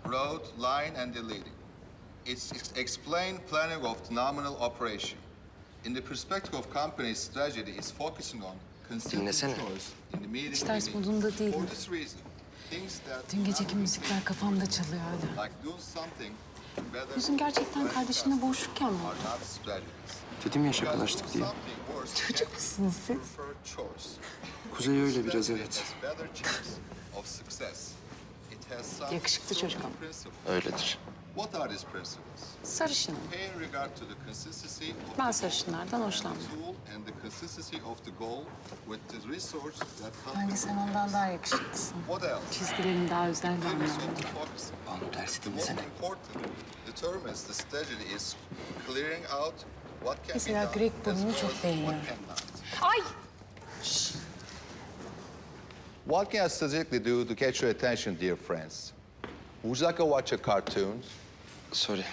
wrote line and deleting. It's explained planning of the nominal operation. In the perspective of company's strategy is focusing on consistent Dinlesene. choice in the meeting. Hiç ters modunda değilim. For this reason, things that Dün geceki müzikler kafamda çalıyor hala. like do something better Yüzün gerçekten kardeşinle boğuşurken mi oldu? are not strategies. Dedim ya şakalaştık diye. Çocuk musunuz siz? Kuzey öyle biraz, evet. Yakışıklı çocuk ama. Öyledir. What are these principles? Sarışınım. Pay regard to the consistency of Ben the sarışınlardan hoşlanmam. tool and the consistency of the goal with the resource that Bence comes. sen ondan daha yakışıklısın. What else? Çizgilerin daha özel bir Limits anlamda. of the focus. Banu dersi The most dinlesene. important determines the strategy is clearing out what can Mesela be done Greg as burnunu well çok as beğeniyorum. what cannot. Ay! What can I strategically do to catch your attention, dear friends? Would you like to watch a cartoon? Sorry.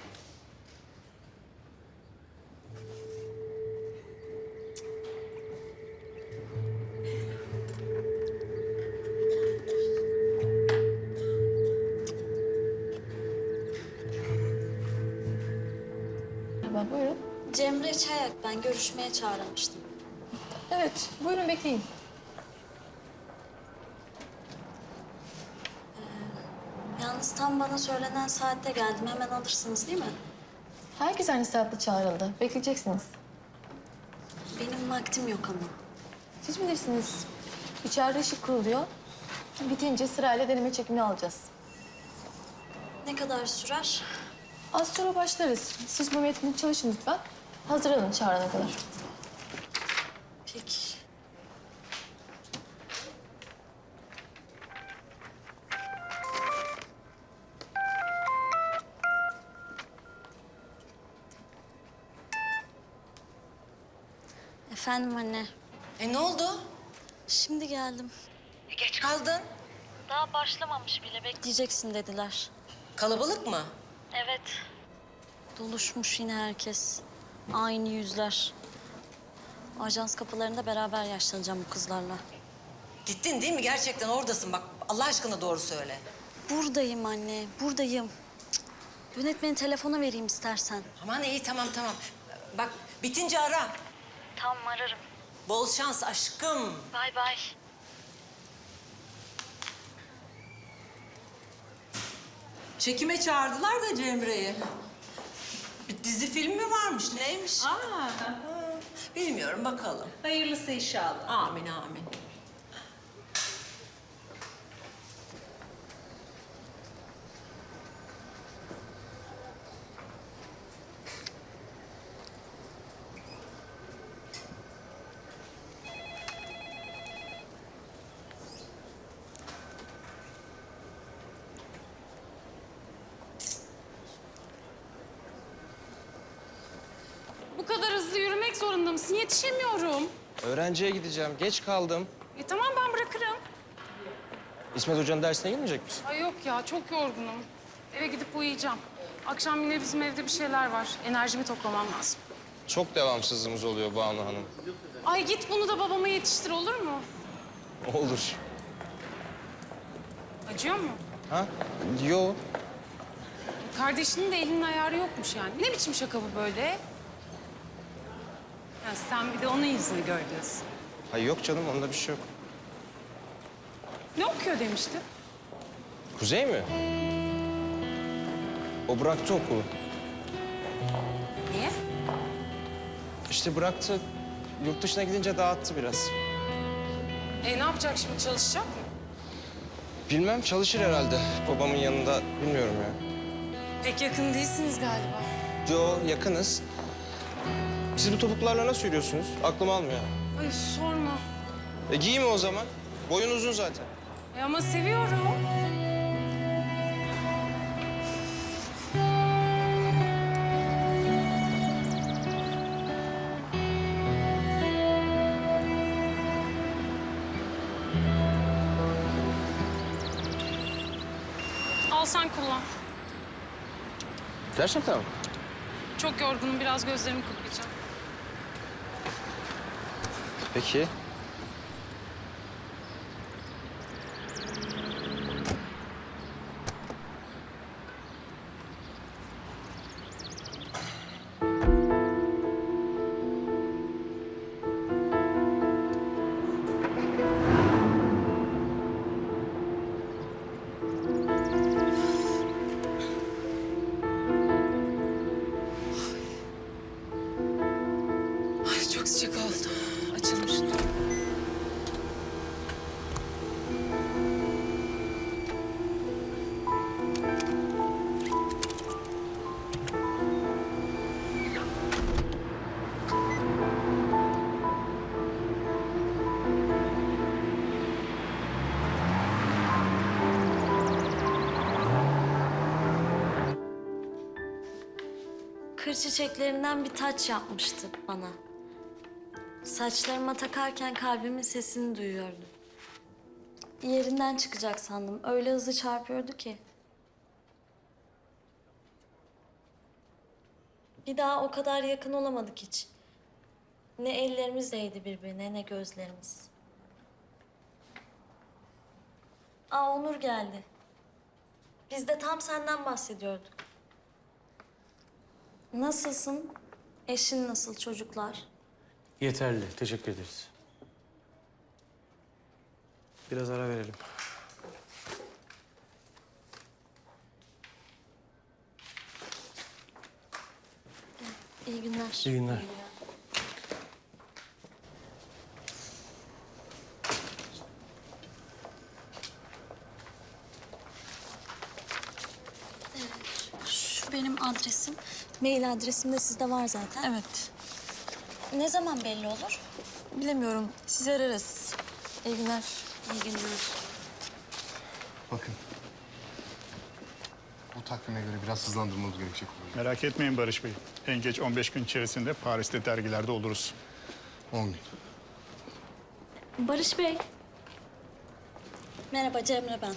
Merhaba, buyurun. Cemre Çayak, ben görüşmeye çağrılmıştım. Evet, buyurun bekleyin. Yalnız tam bana söylenen saatte geldim. Hemen alırsınız değil mi? Herkes aynı saatte çağrıldı. Bekleyeceksiniz. Benim vaktim yok ama. Siz bilirsiniz. İçeride ışık kuruluyor. Bitince sırayla deneme çekimini alacağız. Ne kadar sürer? Az sonra başlarız. Siz bu metni çalışın lütfen. Hazırlanın çağırana kadar. Peki. Efendim anne. Ne oldu? Şimdi geldim. Geç kaldın. Daha başlamamış bile. Bekleyeceksin dediler. Kalabalık mı? Evet. Doluşmuş yine herkes. Aynı yüzler. Ajans kapılarında beraber yaşlanacağım bu kızlarla. Gittin değil mi? Gerçekten oradasın. Bak Allah aşkına doğru söyle. Buradayım anne, buradayım. Cık. Yönetmenin telefonu vereyim istersen. Aman iyi tamam. Bak bitince ara. Tamam, ararım. Bol şans aşkım. Bay bay. Çekime çağırdılar da Cemre'yi. Bir dizi film mi varmış? Neymiş? Bilmiyorum bakalım. Hayırlısı inşallah. Amin amin. Bu kadar hızlı yürümek zorunda mısın? Yetişemiyorum. Öğrenciye gideceğim. Geç kaldım. Tamam, ben bırakırım. İsmet Hoca'nın dersine girmeyecek misin? Ay yok ya, çok yorgunum. Eve gidip uyuyacağım. Akşam yine bizim evde bir şeyler var. Enerjimi toplamam lazım. Çok devamsızlığımız oluyor Banu Hanım. Ay git bunu da babama yetiştir, olur mu? Olur. Acıyor mu? Ha? Yo. Kardeşinin de elinin ayarı yokmuş yani. Ne biçim şaka bu böyle? Ya sen bir de onun yüzünü gör diyorsun. Hayır yok canım, onda bir şey yok. Ne okuyor demişti? Kuzey mi? O bıraktı okulu. Niye? İşte bıraktı. Yurt dışına gidince dağıttı biraz. Ne yapacak şimdi, çalışacak mı? Bilmem, çalışır herhalde. Babamın yanında, bilmiyorum ya. Pek yakın değilsiniz galiba. Yo, yakınız. Siz bu topuklarla nasıl yürüyorsunuz? Aklım almıyor. Ay sorma. Giyme o zaman. Boyun uzun zaten. Ama seviyorum. Al sen kullan. Gerçekten mi? Çok yorgunum, biraz gözlerimi kırpacağım. Peki. Açık oldu. Açılmış. Kır çiçeklerinden bir taç yapmıştı bana. Saçlarıma takarken kalbimin sesini duyuyordum. Yerinden çıkacak sandım. Öyle hızlı çarpıyordu ki. Bir daha o kadar yakın olamadık hiç. Ne ellerimiz değdi birbirine ne gözlerimiz. Aa, Onur geldi. Biz de tam senden bahsediyorduk. Nasılsın? Eşin nasıl, çocuklar? Yeterli. Teşekkür ederiz. Biraz ara verelim. İyi günler. İyi günler. Şu benim adresim. Mail adresim de sizde var zaten. Evet. Ne zaman belli olur? Bilemiyorum. Sizi ararız. İyi günler. İyi günler. Bakın. Bu takvime göre biraz hızlandırmamız gerekecek oluyor. Merak etmeyin Barış Bey. En geç 15 gün içerisinde Paris'te dergilerde oluruz. 10 gün. Barış Bey. Merhaba, Cemre ben.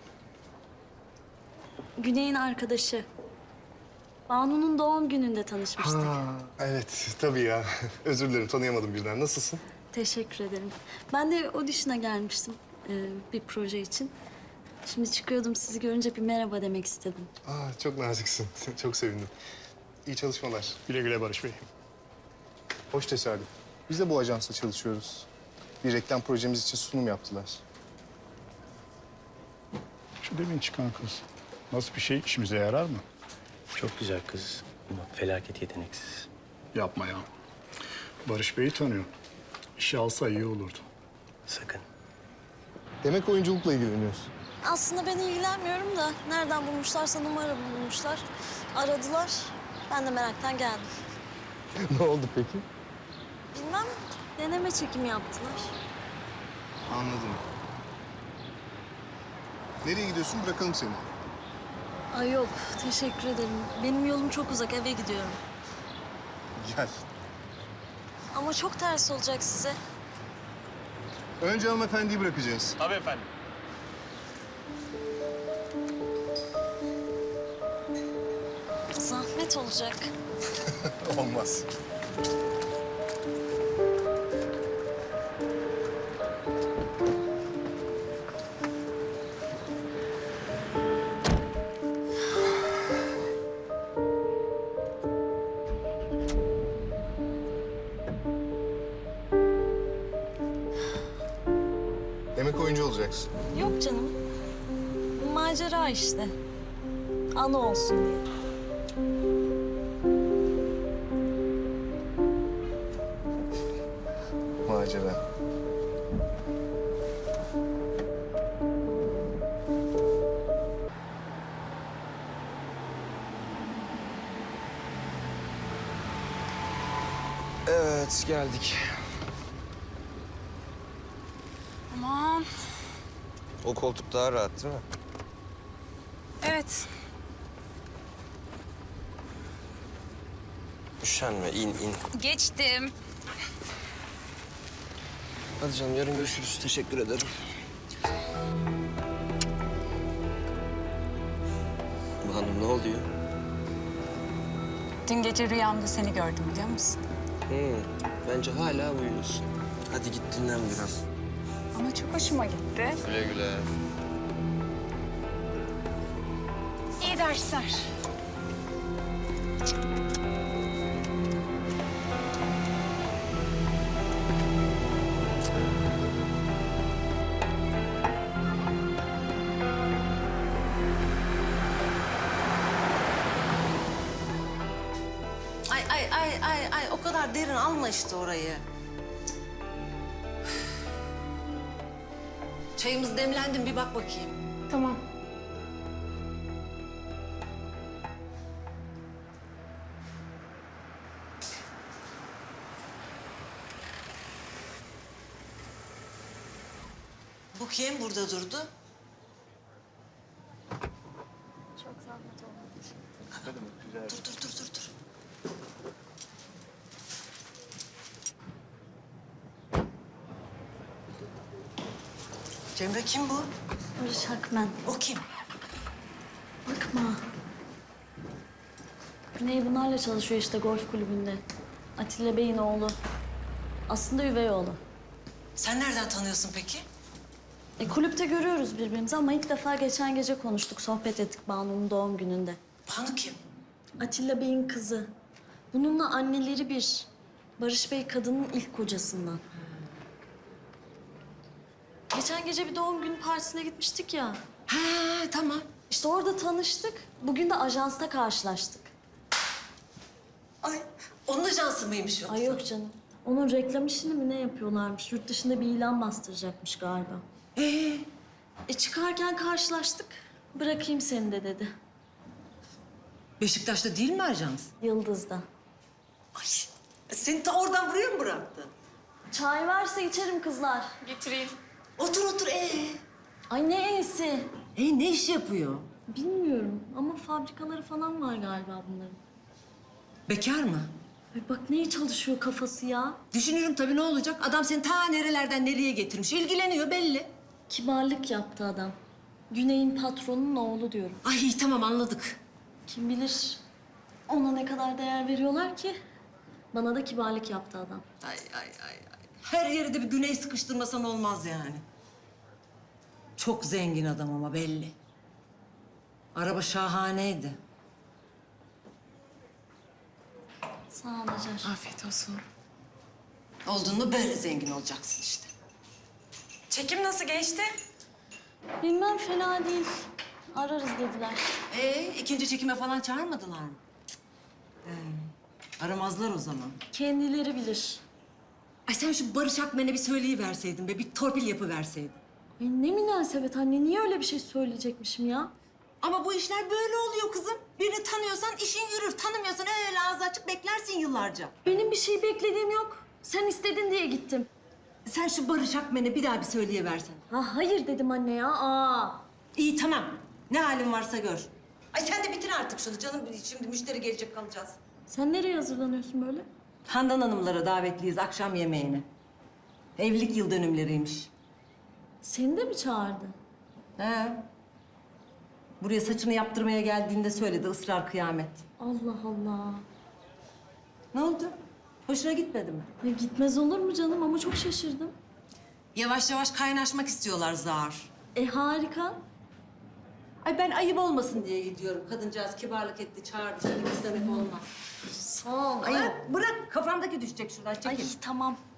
Güney'in arkadaşı. Banu'nun doğum gününde tanışmıştık. Evet, tabii ya. Özür dilerim, tanıyamadım birden. Nasılsın? Teşekkür ederim. Ben de audition'a gelmiştim bir proje için. Şimdi çıkıyordum, sizi görünce bir merhaba demek istedim. Çok naziksin. Çok sevindim. İyi çalışmalar. Güle güle Barış Bey. Hoş tesadüf. Biz de bu ajansla çalışıyoruz. Bir reklam projemiz için sunum yaptılar. Şu demin çıkan kız. Nasıl bir şey, işimize yarar mı? Çok güzel kız ama felaket yeteneksiz. Yapma ya. Barış Bey'i tanıyor. İşe alsa iyi olurdu. Sakın. Demek oyunculukla ilgileniyorsun. Aslında ben ilgilenmiyorum da nereden bulmuşlarsa numara bulmuşlar. Aradılar. Ben de meraktan geldim. Ne oldu peki? Bilmem, deneme çekimi yaptılar. Anladım. Nereye gidiyorsun? Bırakalım seni. Ay yok, teşekkür ederim. Benim yolum çok uzak, eve gidiyorum. Gel. Ama çok ters olacak size. Önce hanımefendiyi bırakacağız. Tabii efendim. Zahmet olacak. Olmaz. Demek oyuncu olacaksın. Yok canım. Macera işte. Anı olsun diye. Macera. Evet, geldik. Aman. O koltuk daha rahat değil mi? Evet. Üşenme, in. Geçtim. Hadi canım, yarın görüşürüz. Teşekkür ederim. Banu, ne oluyor? Dün gece rüyamda seni gördüm biliyor musun? Bence hala uyuyorsun. Hadi git dinlen biraz. Ama çok hoşuma gitti. Güle güle. İyi dersler. Ay o kadar derin alma işte orayı. Çayımız demlendi mi bir bak bakayım. Tamam. Bu kim burada durdu? Dur. Cemre kim bu? Barış Akmen. O kim? Bakma. Güney bunlarla çalışıyor işte golf kulübünde. Atilla Bey'in oğlu. Aslında üvey oğlu. Sen nereden tanıyorsun peki? Kulüpte görüyoruz birbirimizi ama ilk defa geçen gece konuştuk, sohbet ettik Banu'nun doğum gününde. Banu kim? Atilla Bey'in kızı. Bununla anneleri bir. Barış Bey kadının ilk kocasından. Geçen gece bir doğum günü partisine gitmiştik ya. Ha tamam. İşte orada tanıştık. Bugün de ajansta karşılaştık. Ay onun ajansı mıymış yoksa? Ay yok canım. Onun reklam işini mi ne yapıyorlarmış? Yurt dışında bir ilan bastıracakmış galiba. Çıkarken karşılaştık. Bırakayım seni de dedi. Beşiktaş'ta değil mi ajans? Yıldız'da. Ay seni ta oradan buraya mı bıraktı? Çay varsa içerim kızlar. Getireyim. Otur. Ay ne iyisi. Ne iş yapıyor? Bilmiyorum ama fabrikaları falan var galiba bunların. Bekar mı? Ay bak neye çalışıyor kafası ya. Düşünüyorum tabii ne olacak? Adam seni ta nerelerden nereye getirmiş. İlgileniyor belli. Kibarlık yaptı adam. Güney'in patronunun oğlu diyorum. Ay tamam anladık. Kim bilir ona ne kadar değer veriyorlar ki. Bana da kibarlık yaptı adam. Ay. Her yere de bir güney sıkıştırmasan olmaz yani. Çok zengin adam ama belli. Araba şahaneydi. Sağ ol Hacer. Afiyet olsun. Oldun mu böyle zengin olacaksın işte. Çekim nasıl geçti? Bilmem fena değil. Ararız dediler. İkinci çekime falan çağırmadılar mı? Aramazlar o zaman. Kendileri bilir. Ay sen şu Barış Akmen'e bir söyleyiverseydin be, bir torpil yapıverseydin. Ay ne münasebet anne. Niye öyle bir şey söyleyecekmişim ya? Ama bu işler böyle oluyor kızım. Birini tanıyorsan işin yürür. Tanımıyorsan öyle ağzı açık beklersin yıllarca. Benim bir şey beklediğim yok. Sen istedin diye gittim. Sen şu Barış Akmen'e bir daha bir söyleyiversen. Ha hayır dedim anne ya. Aa. İyi tamam. Ne halin varsa gör. Ay sen de bitir artık şunu canım. Şimdi müşteri gelecek kalacağız. Sen nereye hazırlanıyorsun böyle? Handan Hanımlara davetliyiz akşam yemeğine. Evlilik yıl dönümleriymiş. Seni de mi çağırdı? He. Buraya saçını yaptırmaya geldiğinde söyledi ısrar kıyamet. Allah Allah. Ne oldu? Hoşuna gitmedi mi? Ya gitmez olur mu canım ama çok şaşırdım. Yavaş yavaş kaynaşmak istiyorlar zar. Harika. Ay ben ayıp olmasın diye gidiyorum. Kadıncağız kibarlık etti, çağırdı. Seni istemek olmaz. Sağ ol. Ay bırak kafamdaki düşecek şuradan Ay çekil. tamam.